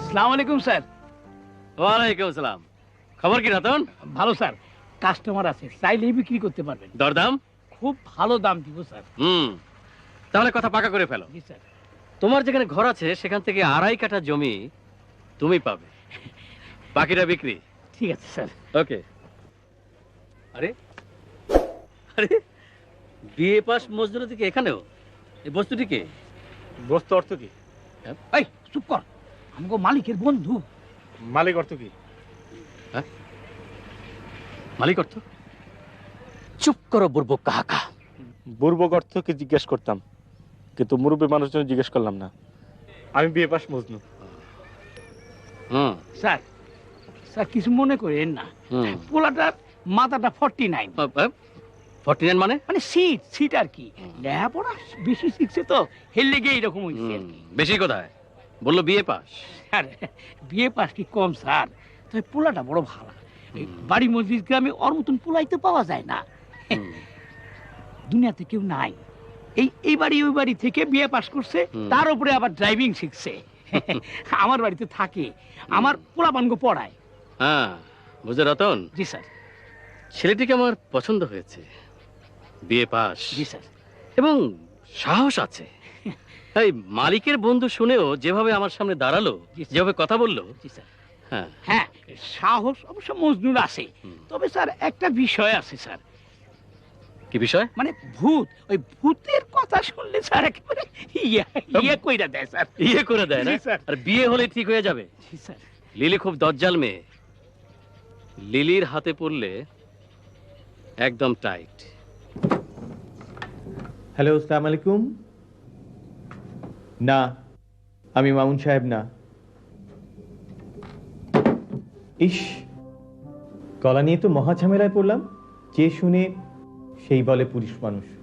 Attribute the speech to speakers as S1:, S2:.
S1: আসসালামু আলাইকুম স্যার।
S2: ওয়ালাইকুম আসসালাম। খবর কি রতন?
S1: ভালো স্যার, কাস্টমার আছে, চাইলেই বিক্রি করতে পারবেন।
S2: দরদাম?
S1: খুব ভালো দাম দিব স্যার।
S2: তাহলে কথা পাকা করে ফেলো।
S1: জি স্যার।
S2: তোমার যেখানে ঘর আছে সেখান থেকে 2.5 কাঠা জমি তুমি পাবে, বাকিটা বিক্রি।
S1: ঠিক আছে স্যার।
S2: ওকে। আরে আরে, বিএ পাস মজদুর থেকে এখানেও এই বস্তুটি কে?
S3: বস্তু অর্থ কি?
S1: এই চুপ কর, আমাকে মালিকের বন্ধু।
S3: মালিক অর্থ কি?
S2: মালিক অর্থ? চুপ করো বুর্বক কাহাকা।
S3: বুর্বক অর্থ কি জিজ্ঞেস করতাম, কিন্তু মুরব্বী মানুষজন জিজ্ঞেস করলাম না। আমি BA pass Majnu.
S1: Sir, sir কিছু মনে করেন না, পোলাটার মাথাটা 49।
S2: 49 মানে?
S1: মানে সিট আর কি, লেখাপড়া বেশি শিখছে তো, হেললে গিয়ে এরকম হয়েছে আর কি।
S2: বেশি কোথায়? বললো বিএ পাস।
S1: স্যার বিয়ে পাস কি কম স্যার, তবে পোলাটা বড় ভালো। বাড়ি মসজিদ গ্রামে ওর মতন পোলাই তো পাওয়া যায় না, দুনিয়াতে কেউ নাই। এই বাড়ি ওই বাড়ি থেকে বিয়ে পাস করছে, তার উপরে আবার ড্রাইভিং শিখছে। আমার বাড়িতে থাকে, আমার পোলাপানকে পড়ায়।
S2: হ্যাঁ বুঝে রতন।
S1: জি স্যার।
S2: ছেলেটিকে আমার পছন্দ হয়েছে, বিএ পাস।
S1: জি স্যার।
S2: এবং সাহস আছে। এই মালিকের বন্ধু শুনেও যেভাবে আমার সামনে দাঁড়ালো, যেভাবে কথা বললো।
S1: জি স্যার।
S2: হ্যাঁ
S1: হ্যাঁ, সাহস অবশ্য মজনুর আছে, তবে স্যার একটা বিষয় আছে স্যার।
S2: কি বিষয়?
S1: মানে ভূত, ওই ভূতের কথা শুনলে স্যার একেবারে ইয়ে কইরা দেয় স্যার।
S2: ইয়ে করে দেয় না?
S1: জি স্যার।
S2: আর বিয়ে হলে ঠিক হয়ে যাবে।
S1: জি স্যার।
S2: লিলি খুব দজ্জাল মেয়ে, লিলির হাতে পড়লে একদম টাইট।
S4: হ্যালো, আসসালামু আলাইকুম। না, আমি মামুন সাহেব না। ইস, গলা নিয়ে তো মহা ঝামেলায় পড়লাম। যে শুনে সেই বলে পুরুষ মানুষ।